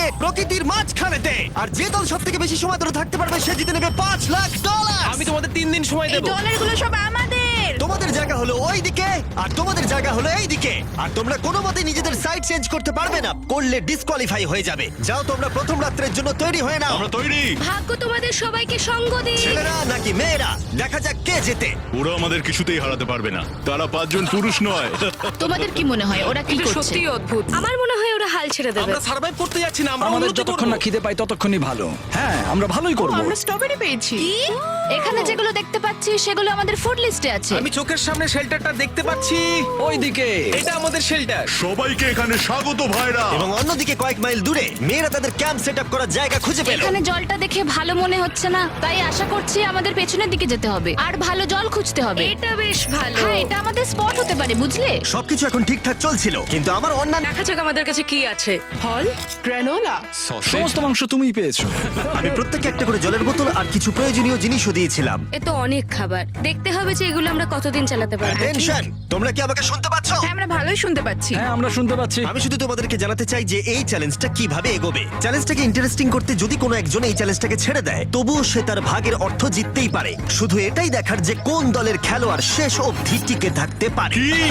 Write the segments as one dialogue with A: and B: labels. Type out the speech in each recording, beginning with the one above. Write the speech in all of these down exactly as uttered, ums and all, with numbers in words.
A: প্রকৃতির মাঝখানেতে। আর যে দল সব থেকে বেশি সময় ধরে থাকতে পারবে সে জিতে নেবে পাঁচ লাখ ডলার।
B: আমি তোমাদের তিন দিন সময়
C: এই
B: দেবো।
C: ডলারগুলো সব আমাদের।
A: তোমাদের জায়গা হলো ওই দিকে আর তোমাদের জায়গা হলো এই দিকে। আর তোমরা কোনো মতে নিজেদের সাইড চেঞ্জ করতে পারবে না, করলে ডিসকোয়ালিফাই হয়ে যাবে। যাও তোমরা প্রথম রাত্রের জন্য তৈরি হয়ে নাও।
D: আমরা তৈরি।
C: ভাগ্য তোমাদের সবাইকে সঙ্গ দিক।
A: ছেলেরা নাকি মেয়েরা, দেখা যাক কে জেতে।
D: ওরা আমাদের কিছুতেই হারাতে পারবে না, তারা পাঁচজন পুরুষ নয়।
E: তোমাদের কি মনে হয় ওরা কি
C: এটা
E: করছে?
C: সত্যিই অদ্ভুত। আমার মনে হয় ওরা হাল ছেড়ে দেবে।
B: আমরা সার্ভাইভ করতে যাচ্ছি না, আমরা
F: আমাদের
B: উন্নতি
F: যতক্ষণ
B: করবো।
F: না খিদে পাই ততক্ষণই ভালো। হ্যাঁ, আমরা ভালোই করব।
C: আমরা স্ট্রবেরি পেয়েছি।
E: কি? এখানে যেগুলো দেখতে পাচ্ছি সেগুলো আমাদের ফুড লিস্টে আছে।
B: আমি চোখের সামনে শেল্টারটা দেখতে পাচ্ছি।
F: ওইদিকে
B: এটা আমাদের শেল্টার।
D: সবাইকে এখানে স্বাগত ভাইরা।
A: এবং অন্যদিকে কয়েক মাইল দূরে মেয়েরা তাদের ক্যাম্প সেট আপ করার জায়গা খুঁজে পেল।
E: এখানে জলটা দেখে ভালো মনে হচ্ছে না, তাই আশা করছি আমাদের পেছনের দিকে যেতে হবে আর ভালো জল খুঁজতে হবে।
C: এটা বেশ ভালো।
E: হ্যাঁ, এটা আমাদের স্পট হতে পারে, বুঝলে?
A: সবকিছু এখন ঠিকঠাক চলছিল, কিন্তু আমার অন্যান্য
C: দেখা যাক আমাদের কাছে কি আছে। ফল, গ্রানোলা।
F: সমস্ত মাংস তুমিই পেয়েছো।
A: আমি প্রত্যেককে একটা করে জলের বোতল আর কিছু প্রয়োজনীয় জিনিসও দিয়েছিলাম।
C: এ তো অনেক খাবার। দেখতে হবে যে এগুলো আমরা কতদিন চালাতে পারবো।
A: টেনশন, তোমরা কি আমাকে শুনতে পাচ্ছ?
C: হ্যাঁ, আমরা ভালোই শুনতে পাচ্ছি।
F: হ্যাঁ, আমরা শুনতে পাচ্ছি।
A: আমি শুধু তোমাদেরকে জানাতে চাই যে এই চ্যালেঞ্জটা কিভাবে এগোবে। চ্যালেঞ্জটাকে ইন্টারেস্টিং করতে যদি কোনো একজন এই চ্যালেঞ্জটাকে ছেড়ে দেয়, তবুও সে তার ভাগের অর্থ জিততেই পারে। শুধু এটাই দেখার যে কোন দলের খেলোয়াড় শেষ অবধি টিকে থাকতে পারে।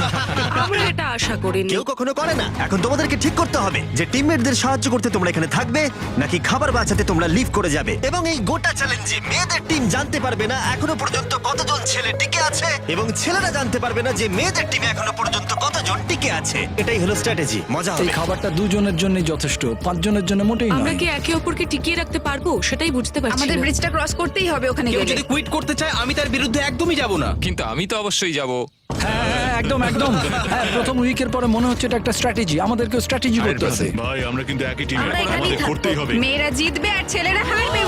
C: আমরা এটা আশা করিনি।
A: কেউ কখনো করে না। এখন তোমাদেরকে ঠিক করতে হবে যে টিমমেটদের সাহায্য করতে তোমরা এখানে থাকবে নাকি খাবার বাঁচাতে তোমরা লিভ করে যাবে। এবং এই গোটা চ্যালেঞ্জে মেয়েদের টিম জানতে পারবে না এখনো পর্যন্ত কতজন ছেলে টিকে আছে, এবং ছেলেরা জানতে পারবে না যে মেয়েদের টিমে এখনো পর্যন্ত কতজন টিকে আছে। এটাই হলো স্ট্র্যাটেজি। মজা
F: এই
A: হবে।
F: খাবারটা দুজনের জন্যই যথেষ্ট, পাঁচজনের জন্য মোটেই
C: আমরা
F: নয়।
C: কি একে অপরকে টিকিয়ে রাখতে পারবো সেটাই বুঝতে পারছি
G: আমাদের
C: না।
G: ব্রিজটা ক্রস করতেই হবে ওখানে
B: কেউ
G: গেলে।
B: যদি কুইট করতে চায় আমি তার বিরুদ্ধে একদমই যাব না।
H: কিন্তু আমি তো অবশ্যই যাব।
F: হ্যাঁ, হ্যাঁ, একদম একদম। হ্যাঁ, প্রথম উইকের পরে মনে হচ্ছে এটা একটা স্ট্র্যাটেজি। আমাদেরকেও স্ট্র্যাটেজি করতে হবে।
D: ভাই আমরা কিন্তু একই টিমে,
G: আমরা এখানেই
D: আমাদের
G: থাকবো।
D: করতেই হবে।
G: মেয়েরা জিতবে আর ছেলেরা হারবে।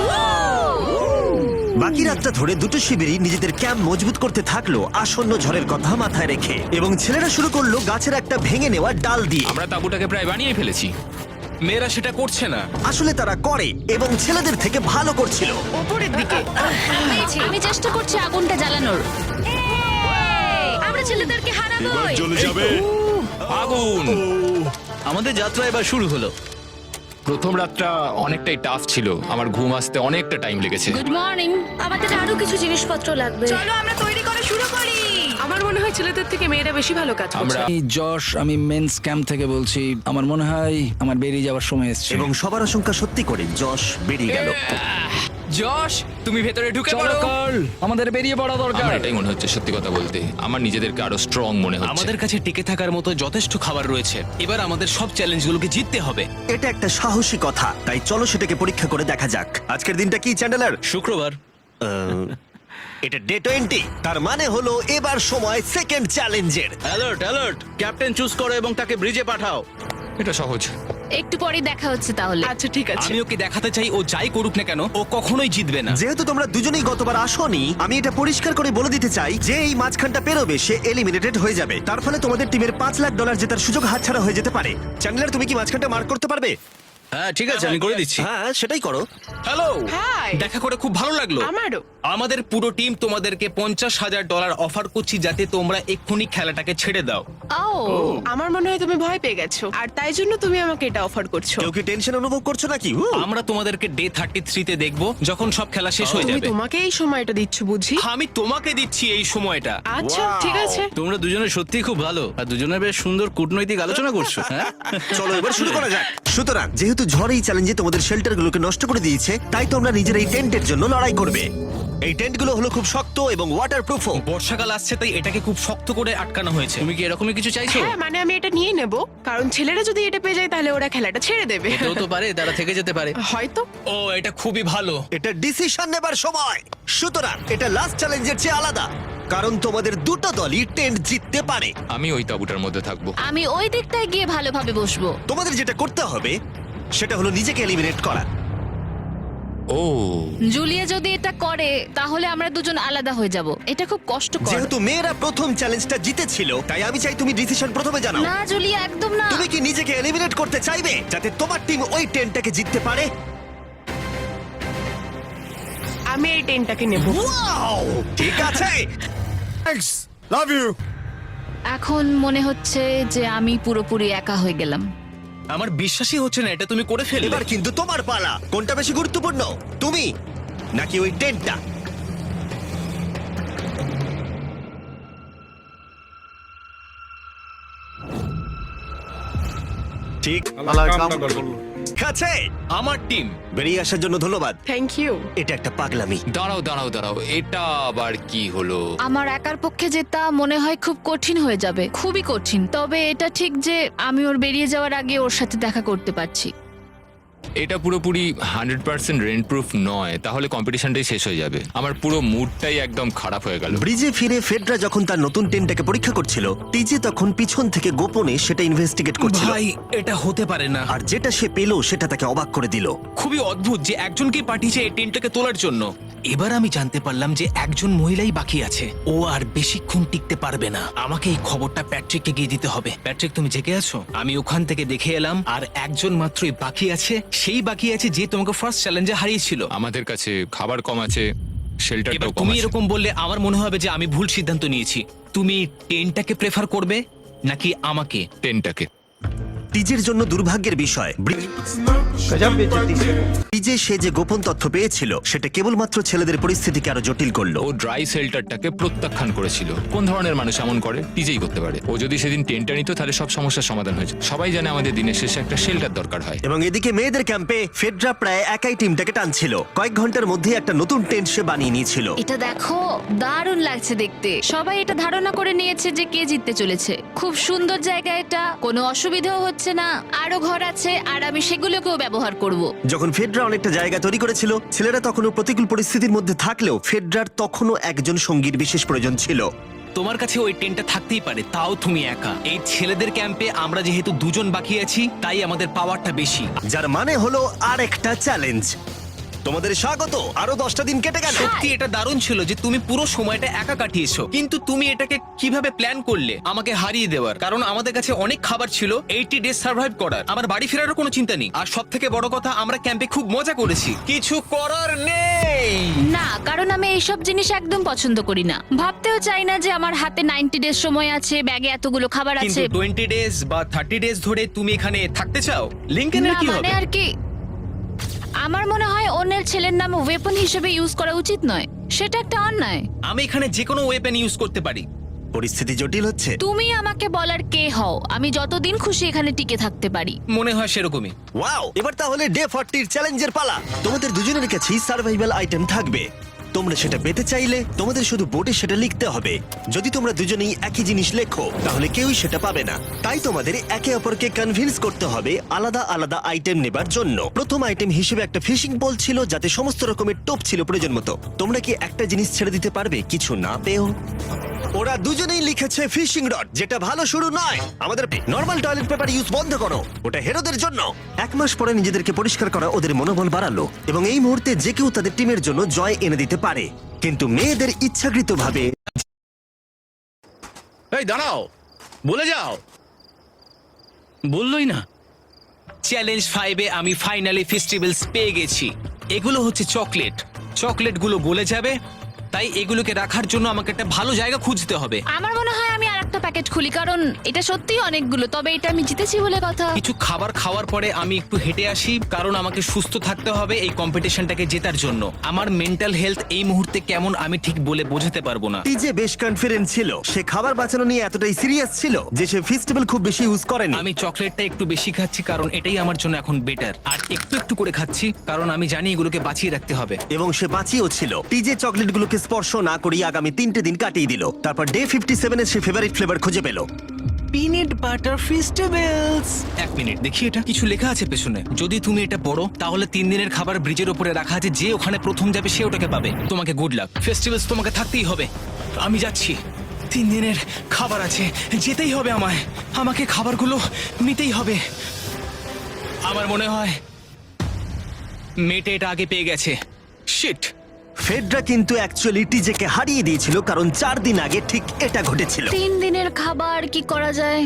A: বাকি রাতটা ধরে দুটো শিবিরই নিজেদের ক্যাম্প মজবুত করতে থাকলো আসন্ন ঝড়ের কথা মাথায় রেখে, এবং ছেলেরা শুরু করলো গাছের একটা ভেঙে নেওয়া ডাল দিয়ে।
H: আমরা তাঁবুটাকে প্রায় বানিয়ে ফেলেছি।
B: মেয়েরা সেটা করছে না।
A: আসলে তারা করে এবং ছেলেদের থেকে ভালো করছিল।
G: উপরের দিকে।
E: আমি চেষ্টা করছি আগুনটা জ্বালানোর।
C: আমরা ছেলেদেরকে হারাবো।
D: এবার চলে যাবে।
H: আগুন!
B: আমাদের যাত্রা এবার শুরু হলো।
H: প্রথম রাতটা অনেকটাই টাফ ছিল, আমার ঘুম আসতে অনেকটা টাইম লেগেছে।
E: Good morning.
C: আমাদের আরো কিছু জিনিসপত্র লাগবে।
G: চলো আমরা তৈরি করা শুরু করি।
C: আমার মনে হয় ছেলেদের থেকে মেয়েরা বেশি ভালো কাজ করছে।
H: আমরা
F: আমি যশ, আমি মেন্স ক্যাম্প থেকে বলছি। আমার মনে হয় আমার বেরিয়ে যাওয়ার সময় এসেছে।
A: এবং সবার আশঙ্কা সত্যি করে যশ বেরিয়ে গেল।
H: যশ, তুমি ভেতরে ঢুকে
F: চলো
H: পড়ো।
F: কার্ল, আমাদের বেরিয়ে পড়া দরকার।
H: আমার এটাই মনে হচ্ছে, সত্যি কথা বলতে আমার নিজেদেরকে আরো স্ট্রং মনে হচ্ছে।
B: আমাদের কাছে টিকে থাকার মতো যথেষ্ট খাবার রয়েছে। এবার আমাদের সব চ্যালেঞ্জগুলোকে জিততে হবে।
A: এটা একটা সাহসী কথা, তাই চলো সেটাকে পরীক্ষা করে দেখা যাক। আজকের দিনটা কি চ্যান্ডেলার?
B: শুক্রবার।
A: আহ, এটা ডে টোয়েন্টি, তার মানে হলো এবার সময় সেকেন্ড চ্যালেঞ্জের।
B: অ্যালার্ট অ্যালার্ট, ক্যাপ্টেন চুজ করো এবং তাকে ব্রিজে পাঠাও।
H: এটা সহজ।
E: একটু পরেই দেখা হচ্ছে তাহলে।
C: আচ্ছা ঠিক আছে।
B: আমি ওকে দেখাতে চাই ও যাই করুক না কেন ও কখনোই জিতবে না।
A: যেহেতু তোমরা দুজনেই গতবার আসোনি, আমি এটা পরিষ্কার করে বলে দিতে চাই যে এই মাঝখানটা পেরোবে সে এলিমিনেটেড হয়ে যাবে। তার ফলে তোমাদের টিমের পাঁচ লাখ ডলার জেতার সুযোগ হাতছাড়া হয়ে যেতে পারে। চ্যান্ডেলার, তুমি কি মাঝখানটা মার্ক করতে পারবে?
B: হ্যাঁ ঠিক আছে, আমি করে দিচ্ছি।
A: হ্যাঁ, সেটাই করো।
B: Hello,
C: hi.
B: দেখা করে খুব ভালো লাগলো।
C: আমারও।
B: আমাদের পুরো টিম তোমাদেরকে পঞ্চাশ হাজার ডলার অফার করছি যাতে তোমরা এক্ষুনি খেলাটাকে ছেড়ে দাও।
E: ও,
C: আমার মনে হয় তুমি ভয় পেয়ে গেছো আর তাই জন্য তুমি আমাকে এটা অফার করছো।
A: কেউ কি টেনশন অনুভব করছো নাকি? উ!
B: আমরা তোমাদেরকে ডে থার্টি থ্রিতে দেখবো যখন সব খেলা শেষ হয়ে
C: তুমি
B: যাবে।
C: তোমাকে এই সময়টা দিচ্ছ বুঝি?
B: আমি তোমাকে দিচ্ছি এই সময়টা।
C: আচ্ছা ঠিক আছে।
B: তোমরা দুজনে সত্যি খুব ভালো আর দুজনে বেশ সুন্দর কূটনৈতিক আলোচনা করছো। হ্যাঁ
A: চলো এবার শুরু করা যাক। সুতরাং যেহেতু ঝড় এই চ্যালেঞ্জে তোমাদের শেল্টারগুলোকে নষ্ট করে দিয়েছে, তাই তোমরা নিজের এই টেন্টের জন্য লড়াই করবে। এই টেন্টগুলো হলো খুব শক্ত এবং ওয়াটারপ্রুফও।
B: বর্ষাকাল আসছে তাই এটাকে খুব শক্ত করে আটকানো হয়েছে। তুমি কি এরকমই কিছু চাইছো?
C: হ্যাঁ মানে আমি এটা নিয়ে নেব কারণ ছেলেরা যদি এটা পেয়ে যায় তাহলে ওরা খেলাটা ছেড়ে দেবে।
B: কেউ তো পারে তারা থেকে যেতে পারে।
C: হয়তো।
B: ও এটা খুবই ভালো।
A: এটা ডিসিশন নেবার সময়। সুতরাং এটা লাস্ট চ্যালেঞ্জের চেয়ে আলাদা, কারণ তোমাদের দুটো দলই টেন্ট জিততে পারে।
H: আমি ওই তাঁবুটার মধ্যে থাকবো।
E: আমি ওই দিকটায় গিয়ে ভালোভাবে বসবো।
A: তোমাদের যেটা করতে হবে সেটা হলো নিজেকে এলিমিনেট করা।
H: ও,
E: জুলিয়া যদি এটা করে তাহলে আমরা দুজন আলাদা হয়ে যাব। এটা খুব কষ্টকর।
A: যেহেতু মেয়েরা প্রথম চ্যালেঞ্জটা জিতেছিল, তাই আমি চাই তুমি ডিসিশন প্রথমে জানাও।
E: না জুলিয়া, একদম না।
A: তুমি কি নিজেকে এলিমিনেট করতে চাইবে যাতে তোমার টিম ওই টেন্টটাকে জিততে পারে?
C: আমি এই টেনটাকে নেব।
A: ওয়াও, ঠিক আছে। Thanks, love you.
E: এখন মনে হচ্ছে যে আমি পুরোপুরি একা হয়ে গেলাম।
B: আমার বিশ্বাসই হচ্ছে না এটা তুমি করে ফেললে।
A: এবার কিন্তু তোমার পালা। কোনটা বেশি গুরুত্বপূর্ণ, তুমি নাকি ওই টেন্টটা? ঠিক আছে।
B: আমার টিম
A: বেরিয়ে আসার জন্য ধন্যবাদ।
C: Thank you.
A: এটা একটা পাগলামি।
H: দাঁড়াও দাঁড়াও দাঁড়াও, এটা আবার কি হলো?
E: আমার একার পক্ষে জেতা মনে হয় খুব কঠিন হয়ে যাবে, খুবই কঠিন। তবে এটা ঠিক যে আমি ওর বেরিয়ে যাওয়ার আগে ওর সাথে দেখা করতে পারছি।
H: এটা পুরোপুরি হান্ড্রেড পার্সেন্ট রেন্ট প্রুফ নয়, তাহলে কম্পিটিশনটাই শেষ হয়ে যাবে। আমার পুরো মুডটাই একদম খারাপ হয়ে গেল।
A: ব্রিজে ফিরে ফেডরা যখন তার নতুন টেন্টটাকে পরীক্ষা করছিল, টিজে তখন পিছন থেকে গোপনে সেটা ইনভেস্টিগেট করছিল।
B: ভাই এটা হতে পারে না।
A: আর যেটা সে পেল সেটা তাকে অবাক করে দিল।
B: খুবই অদ্ভুত যে একজনকে পাঠিয়েছে এই টেন্টটাকে তোলার জন্য। এবার আমি জানতে পারলাম যে একজন মহিলাই বাকি আছে। ও আর বেশিক্ষণ টিকতে পারবে না। আমাকে এই খবরটা প্যাট্রিককে গিয়ে দিতে হবে। প্যাট্রিক, তুমি জেগে আছো? আমি ওখান থেকে দেখে এলাম আর একজন মাত্রই বাকি আছে। সেই বাকি আছে যে তোমাকে ফার্স্ট চ্যালেঞ্জে হারিয়েছিল।
H: আমাদের কাছে খাবার কম আছে,
B: এবার
H: শেল্টারটাও কম
B: তুমি
H: আছে।
B: এরকম বললে আমার মনে হবে যে আমি ভুল সিদ্ধান্ত নিয়েছি। তুমি টেন্টটাকে প্রেফার করবে নাকি আমাকে?
H: টেনটাকে।
A: টিজের জন্য দুর্ভাগ্যের বিষয়, টিজে সে যে গোপন তথ্য পেয়েছিল সেটা কেবলমাত্র ছেলেদের পরিস্থিতিকে আরো জটিল করলো।
H: ও ড্রাই শেল্টারটাকে প্রত্যাখ্যান করেছিল। কোন ধরনের মানুষ এমন করে? টিজেই করতে পারে। ও যদি সেদিন টেন্টটা নিত তাহলে সব সমস্যার সমাধান হয়েছে। সবাই জানে আমাদের দিনের শেষে একটা শেল্টার দরকার হয়।
A: এবং এদিকে মেয়েদের ক্যাম্পে ফেডরা প্রায় একাই টিমটাকে টানছিল। কয়েক ঘন্টার মধ্যে একটা নতুন টেন্ট সে বানিয়ে নিয়েছিল।
E: এটা দেখো, দারুণ লাগছে দেখতে। সবাই এটা ধারণা করে নিয়েছে যে কে জিততে চলেছে। খুব সুন্দর জায়গা এটা, কোনো অসুবিধাও হচ্ছে না। আরো ঘর আছে আর আমি সেগুলোকেও ব্যবহার করব।
A: যখন ফেডরা অনেকটা জায়গা তৈরি করেছিল, ছেলেরা তখনও প্রতিকূল পরিস্থিতির মধ্যে থাকলেও ফেডরার তখনও একজন সঙ্গীর বিশেষ প্রয়োজন ছিল।
B: তোমার কাছে ওই টেন্টটা থাকতেই পারে, তাও তুমি একা। এই ছেলেদের ক্যাম্পে আমরা যেহেতু দুজন বাকি আছি, তাই আমাদের পাওয়ারটা বেশি।
A: যার মানে হলো আর একটা চ্যালেঞ্জ। তোমাদের স্বাগত। আরো দশটা দিন কেটে গেল।
B: সত্যি এটা দারুণ ছিল যে তুমি পুরো সময়টা একা কাটিয়েছো। কিন্তু তুমি এটাকে কিভাবে প্ল্যান করলে আমাকে হারিয়ে দেওয়ার? কারণ আমাদের কাছে অনেক খাবার ছিল এইটি ডেজ সার্ভাইভ করার। আমার বাড়ি ফেরারও কোনো চিন্তা নেই। আর সব থেকে বড় কথা, আমরা ক্যাম্পে খুব মজা করেছি। কিছু করার নেই।
E: না, কারণ আমি এইসব জিনিস একদম পছন্দ করি না। ভাবতেও চাই না যে আমার হাতে নাইনটি ডেজ সময় আছে, ব্যাগে এতগুলো খাবার
B: কিন্তু
E: আছে।
B: টোয়েন্টি ডেজ বা থার্টি ডেজ ধরে তুমি এখানে থাকতে চাও? লিংকেনের
E: না
B: কি
E: মানে
B: হবে?
E: আর কি, আমার মনে হয় অন্যের ছেলের নাম ওয়েপন হিসেবে ইউজ করা উচিত নয়। সেটা একটা অন্যায়।
B: আমি এখানে যে কোনো ওয়েপেন ইউজ করতে পারি।
A: পরিস্থিতি জটিল হচ্ছে।
E: তুমি আমাকে বলার কে হও? আমি যতদিন খুশি এখানে টিকে থাকতে পারি।
B: মনে হয় সেরকমই।
A: ওয়াও! এবার তাহলে ডে ফর্টির চ্যালেঞ্জের পালা। তোমাদের দুজনের কাছেই সার্ভাইভাল আইটেম থাকবে। তোমরা সেটা পেতে চাইলে তোমাদের শুধু বোর্ডে সেটা লিখতে হবে। যদি তোমরা দুজনেই একই জিনিস লেখো তাহলে কেউই সেটা পাবে না। তাই তোমাদের একে অপরকে কনভিন্স করতে হবে আলাদা আলাদা আইটেম নেবার জন্য। প্রথম আইটেম হিসেবে একটা ফিশিং পোল ছিল, যাতে সমস্ত রকমের টোপ ছিল প্রয়োজন মতো। তোমরা কি একটা জিনিস ছেড়ে দিতে পারবে কিছু না পেও? ওরা দুজনেই লিখেছে ফিশিং রড, যেটা ভালো শুরু নয়। আমাদের নর্মাল টয়লেট পেপার ইউজ বন্ধ করো, ওটা হেরোদের জন্য। এক মাস পরে নিজেদেরকে পরিষ্কার করা ওদের মনোবল বাড়ালো এবং এই মুহূর্তে যে কেউ তাদের টিমের জন্য জয় এনে দিতে পারে। কিন্তু মেয়েদের ইচ্ছাকৃতভাবে
B: এই দাঁড়াও, বলে যাও। বললোই না। চ্যালেঞ্জ ফাইভে আমি ফাইনালি ফেস্টিভ্যালস পেয়ে গেছি। এগুলো হচ্ছে চকলেট। চকলেটগুলো গলে যাবে, তাই এগুলোকে রাখার জন্য আমাকে একটা ভালো জায়গা খুঁজতে হবে।
E: আমার মনে হয় আমি আর একটা প্যাকেট খুলি, কারণ এটা সত্যিই অনেকগুলো। তবে এটা আমি জিতেছি বলে কথা।
B: কিছু খাবার খাওয়ার পরে আমি একটু হেঁটে আসি, কারণ আমাকে সুস্থ থাকতে হবে এই কম্পিটিশনটাকে জেতার জন্য। আমার মেন্টাল হেলথ এই মুহূর্তে কেমন আমি ঠিক বলে বোঝাতে পারবো না।
A: টিজে বেশ কনফিডেন্ট ছিল। সে খাবার বাঁচানো নিয়ে এতটাই সিরিয়াস ছিল যে সে ফেস্টিভ্যাল খুব বেশি ইউজ করেনি।
B: আমি চকলেটটা একটু বেশি খাচ্ছি কারণ এটাই আমার জন্য এখন বেটার। আর একটু একটু করে খাচ্ছি কারণ আমি জানি এগুলোকে বাঁচিয়ে রাখতে হবে।
A: এবং সে বাঁচিয়েও ছিল। টিজে চকলেটগুলোকে স্পর্শ না করেই আগামী তিনটে দিন কাটিয়ে দিল। তারপর ডে ফিফটি সেভেন এর সে ফেভারিট ফ্লেভার খুঁজে পেল।
B: Peanut butter festivals. এক মিনিট দেখি, এটা কিছু লেখা আছে পেছনে। যদি তুমি এটা পড়ো তাহলে তিন দিনের খাবার ব্রিজের উপরে রাখা আছে। যে ওখানে প্রথম যাবে সে ওটাকে পাবে। তোমাকে গুড লাক। ফেস্টিভ্যালস তোমাকে থাকতেই হবে। আমি যাচ্ছি। তিন দিনের খাবার আছে, যেতেই হবে আমায়। আমাকে খাবারগুলো নিতেই হবে। আমার মনে হয় মেয়েটা এটা আগে পেয়ে গেছে। শিট।
A: ফেডরা কিন্তু অ্যাকচুয়ালি টিজেকে হারিয়ে দিয়েছিল, কারণ চার দিন আগে ঠিক এটা ঘটেছিল।
E: তিন দিনের খাবার কি করা যায়?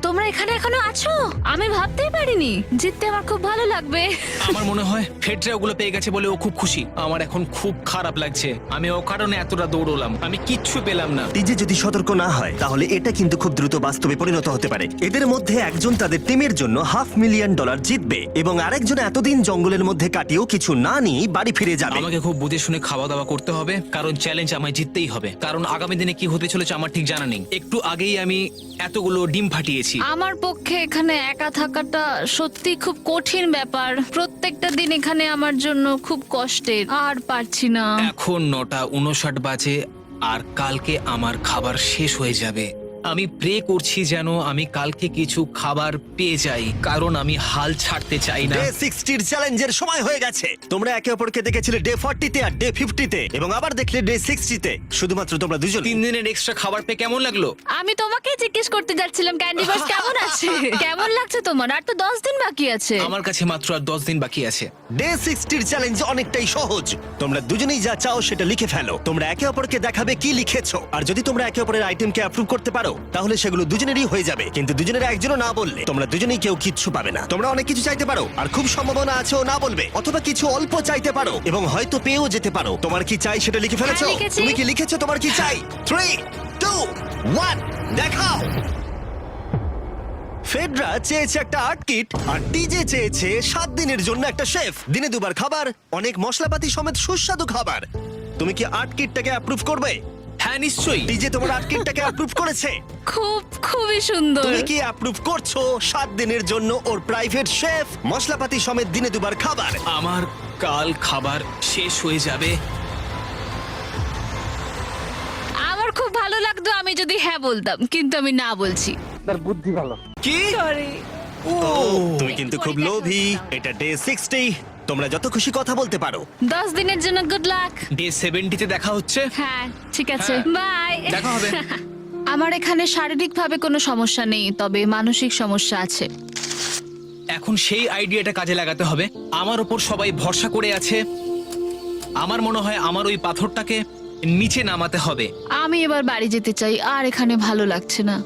E: তোমরা এখানে এখনো আছো? আমি ভাবতেই পারিনি। জিততে আমার খুব ভালো লাগবে।
B: আমার মনে হয় ফেডরা ওগুলো পেয়ে গেছে বলে ও খুব খুশি। আমার এখন খুব খারাপ লাগছে। আমি ও কারণে এতটা দৌড়লাম, আমি কিচ্ছু পেলাম না।
A: টিজে যদি সতর্ক না হয় তাহলে এটা কিন্তু খুব দ্রুত বাস্তবে পরিণত হতে পারে। এদের মধ্যে একজন তাদের টিমের জন্য হাফ মিলিয়ন ডলার জিতবে এবং আরেকজন এতদিন জঙ্গলের মধ্যে কাটিয়েও কিছু না নিয়ে বাড়ি ফিরে যাবে।
B: আমাকে খুব বুঝে শুনে খাওয়া দাওয়া করতে হবে, কারণ চ্যালেঞ্জ আমায় জিততেই হবে। কারণ আগামী দিনে কি হতে চলেছে আমার ঠিক জানা নেই। একটু আগেই আমি এতগুলো ডিম ফাটিয়েছি।
E: আমার পক্ষে এখানে একা থাকাটা সত্যি খুব কঠিন ব্যাপার। প্রত্যেকটা দিন এখানে আমার জন্য খুব কষ্টের, আর পারছি না।
B: এখন নটা উনষাট বাজে আর কালকে আমার খাবার শেষ হয়ে যাবে। আমি প্রে করছি যেন আমি কালকে কিছু খাবার পেয়ে যাই, কারণ আমি হাল ছাড়তে চাই না।
A: ডে সিক্সটির চ্যালেঞ্জের সময় হয়ে গেছে। তোমরা একে অপরকে দেখেছিলে ডে ফর্টিতে আর ডে ফিফটিতে, এবং আবার দেখলে ডে সিক্সটিতে। শুধুমাত্র তোমরা দুজন।
B: তিন দিনের এক্সট্রা খাবার পেয়ে কেমন লাগলো?
E: আমি তোমাকে জিজ্ঞেস করতে যাচ্ছিলাম ক্যান্ডি বাস কেমন আছে। কেমন লাগছে তোমার? আর তো দশ দিন বাকি আছে।
B: আমার কাছে মাত্র আর দশ দিন বাকি আছে।
A: ডে সিক্সটির চ্যালেঞ্জ অনেকটাই সহজ। তোমরা দুজনেই যা চাও সেটা লিখে ফেলো। তোমরা একে অপরকে দেখাবে কি লিখেছো, আর যদি তোমরা একে অপরের আইটেমকে অ্যাপ্রুভ করতে পারো তাহলে সেগুলো দুজনেরই হয়ে যাবে। কিন্তু দুজনের একজনও না বললে তোমরা দুজনেই কেউ কিচ্ছু পাবে না। তোমরা অনেক কিছু চাইতে পারো, আর খুব সম্ভাবনা আছে ও না বলবে, অথবা কিছু অল্প চাইতে পারো এবং হয়তো পেয়েও যেতে পারো। তোমার কি চাই সেটা লিখে ফেলেছো?
E: হ্যাঁ, লিখেছি।
A: তুমি কি লিখেছো তোমার কি চাই? থ্রি টু ওয়ান, দেখাও। ফেডরা চেয়েছে একটা আর্ট কিট, আর টিজে চেয়েছে সাত দিনের জন্য একটা শেফ, দিনে দুবার খাবার, অনেক মশলাপাতি সমেত সুস্বাদু খাবার। তুমি কি আর্ট কিটটাকে অ্যাপ্রুভ করবে?
B: হ্যাঁ নিশ্চয়ই।
A: টিজে তোমার আর্ট কিটটাকে অ্যাপ্রুভ করেছে।
E: খুব খুবই সুন্দর।
A: তুমি কি অ্যাপ্রুভ করছো সাত দিনের জন্য ওর প্রাইভেট শেফ, মশলাপাতি সমেত দিনে দুবার খাবার?
B: আমার কাল খাবার শেষ হয়ে যাবে।
E: আমার খুব ভালো লাগতো আমি যদি হ্যাঁ বলতাম, কিন্তু আমি না বলছি।
B: কি?
A: ও, তুমি কিন্তু খুব লোভী। এটা ডে সিক্সটি, তোমরা যত খুশি কথা বলতে পারো।
E: দশ দিনের জন্য গুড লাক।
B: ডে সেভেন্টিতে দেখা হচ্ছে।
E: হ্যাঁ ঠিক আছে,
B: হ্যাঁ।
E: বাই।
B: দেখা হবে।
E: আমার এখানে শারীরিকভাবে কোনো সমস্যা নেই, তবে মানসিক সমস্যা আছে।
B: এখন সেই আইডিয়াটা কাজে লাগাতে হবে। আমার ওপর সবাই ভরসা করে আছে। আমার মনে হয় আমার ওই পাথরটাকে নিচে নামাতে হবে।
E: আমি এবার বাড়ি যেতে চাই, আর এখানে ভালো লাগছে না।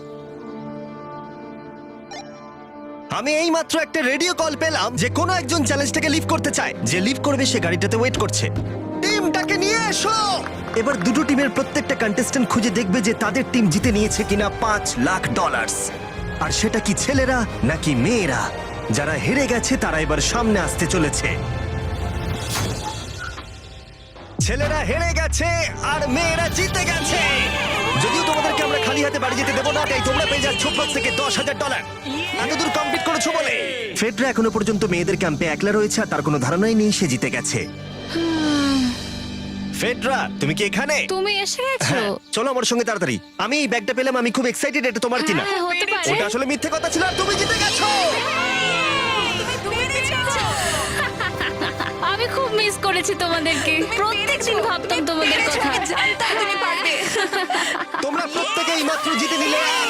A: আমি এই মাত্র একটা রেডিও কল পেলাম যে কোনো একজন চ্যালেঞ্জটাকে লিভ করতে চায়। যে লিভ করবে সে গাড়িটাতে ওয়েট করছে। টিমটাকে নিয়ে এসো। এবার দুটো টিমের প্রত্যেকটা কন্টেস্ট্যান্ট খুঁজে দেখবে যে তাদের টিম জিতে নিয়েছে কিনা পাঁচ লাখ ডলার। আর সেটা কি ছেলেরা নাকি মেয়েরা? যারা হেরে গেছে তারা এবার সামনে আসতে চলেছে। ছেলেরা হেরে গেছে আর মেয়েরা জিতে গেছে। যদিও তোমাদেরকে আমরা খালি হাতে বাড়ি যেতে দেবো না, তাই তোমরা পেয়ে যাচ্ছ প্রত্যেকে দশ হাজার ডলার। এতদূর কমপ্লিট করেছো বলে। ফেডরা এখনো পর্যন্ত মেয়েদের ক্যাম্পে একলা রয়েছে, আর তার কোনো ধারণাই নেই সে জিতে গেছে। ফেডরা, তুমি কি এখানে?
E: তুমি এসে গেছো?
A: হ্যাঁ, চলো আমার সঙ্গে তাড়াতাড়ি। আমি এই ব্যাগটা পেলাম, আমি খুব এক্সাইটেড। এটা তোমার কিনা?
E: হ্যাঁ, হতে পারে।
A: ওটা আসলে মিথ্যে কথা ছিল, আর তুমি জিতে গেছো।
E: আমি খুব মিস করেছি তোমাদেরকে। প্রত্যেকদিন ভাবতাম তোমাদের কথা।
G: জানতাম তুমি পারবে।
A: তোমরা প্রত্যেকেই মাত্র জিতে নিলে